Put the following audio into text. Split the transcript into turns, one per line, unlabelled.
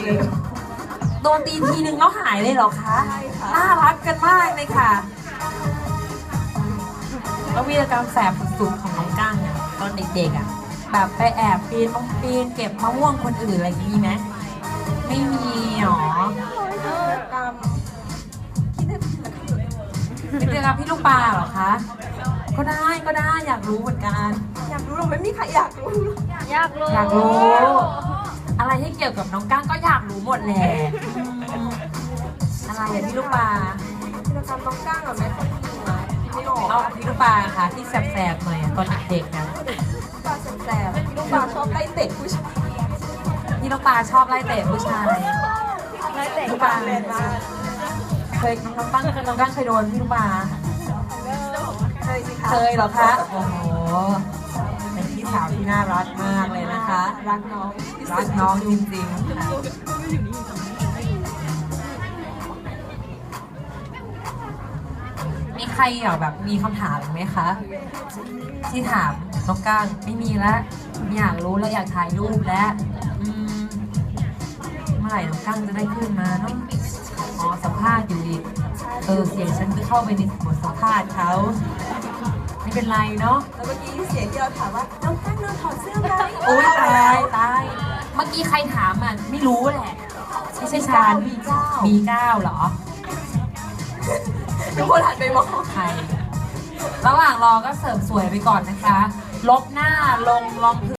โดนตีทีนึงแล้วหายเลยเหรอคะ
ใช่ค่ะ
น่ารักกันมากเลยค่ะ แล้ววีรกรรมแสบสุดๆของน้องก้างเนี่ยตอนเด็กๆอ่ะแบบไปแอบปีนเก็บมะม่วงคนอื่นอะไรอย่างนี้ไหมไม่มีหรอ
ตามคิดได้
เป็นวีรกรรมพี่ลูกปลาเหรอคะ ก็ได้อยากรู้เหมือนกัน
อยากรู้หรือไม่มีใครอยากรู้
อยากรู้
อยากรู้ อะไรที่เกี่ยวกับน้องก้างก็อยากรู้หมดแหละอะไรอะพี่ลูกปลา
กิจกรรมน้องก้างกับแม่คนดีนะไม่ออก
เอาพี่ลูกปลาค่ะที่แสบๆหน่อยอะตอนเด็กๆนะ
ปลาแสบๆพี่ลูกปลาชอบไล่เตะผู้ชาย
พี่ลูกปลาชอบไล่เตะผู้ชาย
ไล่เตะ
ลูกปลา
แรงมาก
เคยน้องก้างเคยโดนพี่ลูกปลา
เคยสิคะ
เคยเหรอคะ โอ้โห เป็นพี่สาวที่น่ารักมากเลยนะคะ
รักน้องที่สุ
รั
ด
กน้องจริงๆค่ะมีใครอยากแบบมีคำถามไหมคะ ที่ถามน้องก้างไม่มีแล้วอยากรู้แล้วอยากถ่ายรูปแล้วเมื่อไหร่น้องก้างจะได้ขึ้นมาเนาะอ๋อสัมภาษณ์อยู่อีกเสียงฉันก็เข้าไปในบทสัมภาษณ์เขาไม่เป็นไรเนาะ
แล้วเมื่อกี้เสียงที่เราถามว่าน้องก้างนอนถอดเสื้อไหม
โอ้ยตายเมื่อกี้ใครถามอ่ะไม่รู้แหละไม่ใช่ชาญB9เหรอ
ทุกคนหันไปมอง
ใคร ระหว่างรอก็เสริมสวยไปก่อนนะคะ ลบหน้าลงรองพื้น